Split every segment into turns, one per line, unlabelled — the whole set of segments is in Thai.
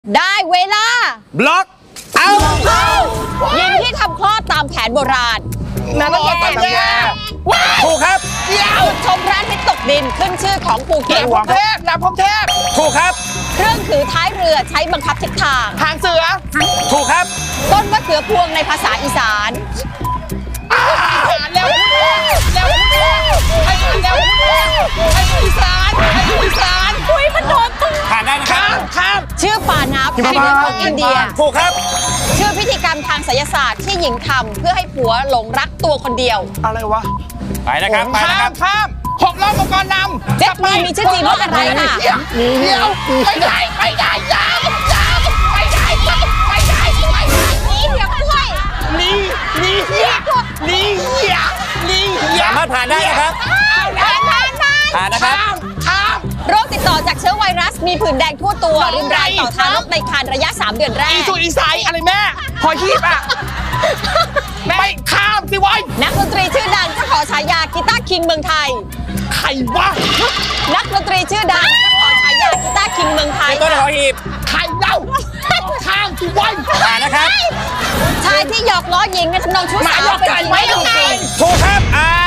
ได้เวลา
บล็อกเอา
หญิงที่ทำคลอดตามแผนโบราณ
นรกตำแยถูกครับ
จุดชมพระอาทิตย์ตกดินขึ้นชื่อของภูเก็ต
เทพดาบพงเทพถูกครับ
เครื่องถือท้ายเรือใช้บังคับทิศทาง
หางเสือถูกครับ
ต้นมะเขือพวงในภาษาอีสาน
เร็วให้เร็วให้อีสาน
คุยมันโดนตึง
ผ่านได้นะครับข้าม
ชื่อป่าน้ำแห่งเรือของอินเดีย
ถูกครับ
ชื่อพิธีกรรมทางไสยศาสตร์ที่หญิงทำเพื่อให้ผัวหลงรักตัวคนเดียว
อะไรวะไปนะครับข้ามหกล้อมังกรนำ
เจ็ดปีมีชื่อจริงว่าอะไรค่ะ
เดี๋ยวไม่ได้ยาวไม่ได้สามารถผ่านได้นะครับผ่านนะครับ
โรคติดต่อจากเชื้อไวรัสมีผื่นแดงทั่วตัวรุนแรงต่อทารกในครรภ์ระยะ 3 เดือนแรก
อีสายอะไรแม่พอฮีบอ่ะไม่ข้ามสิวะ
นักดนตรีชื่อดังเจ้าของฉายากีตาร์คิงเมืองไทย
ใครวะ
นักดนตรีชื่อดังเจ้าของฉายากีตาร์คิงเมืองไทย
ต้นหอหีบใครเล่าข้ามสิวะผ่านนะครับ
ชายที่หยอกล้อหญิงในทำนองชู้สาวเป็นจริงไม่จริง
ถูกครับ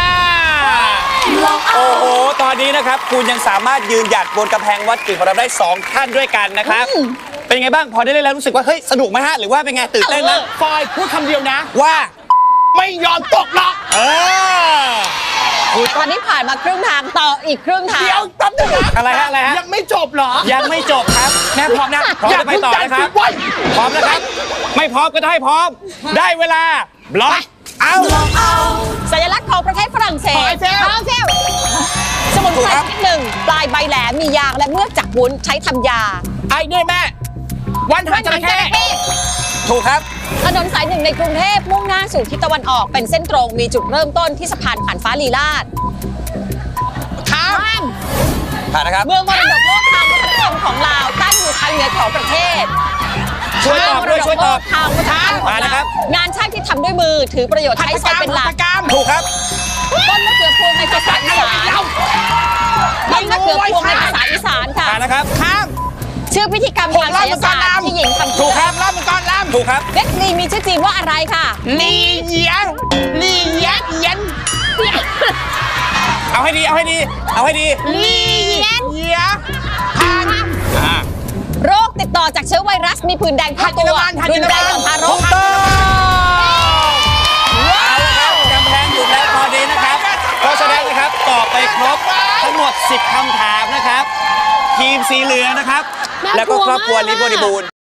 โอ้โหตอนนี้นะครับคุณยังสามารถยืนหยัดบนกำแพงวัดกิ่งของเราได้2ท่านด้วยกันนะครับเป็นไงบ้างพอได้เล่นแล้วรู้สึกว่าเฮ้ยสนุกไหมฮะหรือว่าเป็นไงตื่นเต้นไหมฟอยพูดคำเดียวนะว่าไม่ยอมตกหรอก
ตอนนี้ผ่านมาครึ่งทางต่ออีกครึ่งทาง
เดี๋ยวตั้งแต่อะไรฮะยังไม่จบเหรอยังไม่จบครับแม่พร้อมนะพร้อมจะไปต่อนะครับพร้อมนะครับไม่พร้อมก็ได้พร้อมได้เวลาบล็อกเอา
สัญลักษณ์ของประเทศฝรั่งเศส
พอยเฟล
สมุนไพรชนิดหนึ่งปลายใบแหลมมียางและเมือกจากวุ้นใช้ทำยา
ไอ้นี่แม่วันหางจระเข้ถูกครับ
ถนนสายหนึ่งในกรุงเทพมุ่งหน้าสู่ทิศตะวันออกเป็นเส้นตรงมีจุดเริ่มต้นที่สะพานผ่านฟ้าลีลาศ
ข้ามผ่านนะครับ
เมืองมรดกโลกทางวัฒนธรรมของลาวตั้งอยู่ทางเหนือของประเทศ
ช่วยตอบด้วยช่วยตอบ
ทางวัฒนธรรมของลาวงานช่างที่ทำด้วยมือถือประโยชน์ใช้ไฟเป็นหลัก
ถูกครับ
ต้นมะเขือพวงในภาษาอีสานต้นมะเขือพวงในภาษาอีสานค่ะ
นะครับข้าม
ชื่อพิธีกรรมทางไสยศาสตร์ที่หญิงทำ
ถูกครับล่ำมังกรล่ำถูกครับ
เบคลีมีชื่อจริงว่าอะไรค่ะ
ลีเยียนเอาให้ดีลีเยีย
โรคติดต่อจากเชื้อไวรัสมีผื่นแดงทั่วตัวรุนแรงต่อทารก
กำแพงอยู่แล้วพอดีนะครับเพราะฉะนั้นนะครับตอบไปครบทั้งหมด10คำถามนะครับทีมสีเหลืองนะครับแล้วก็ครอบครัวลิบริบูรณ์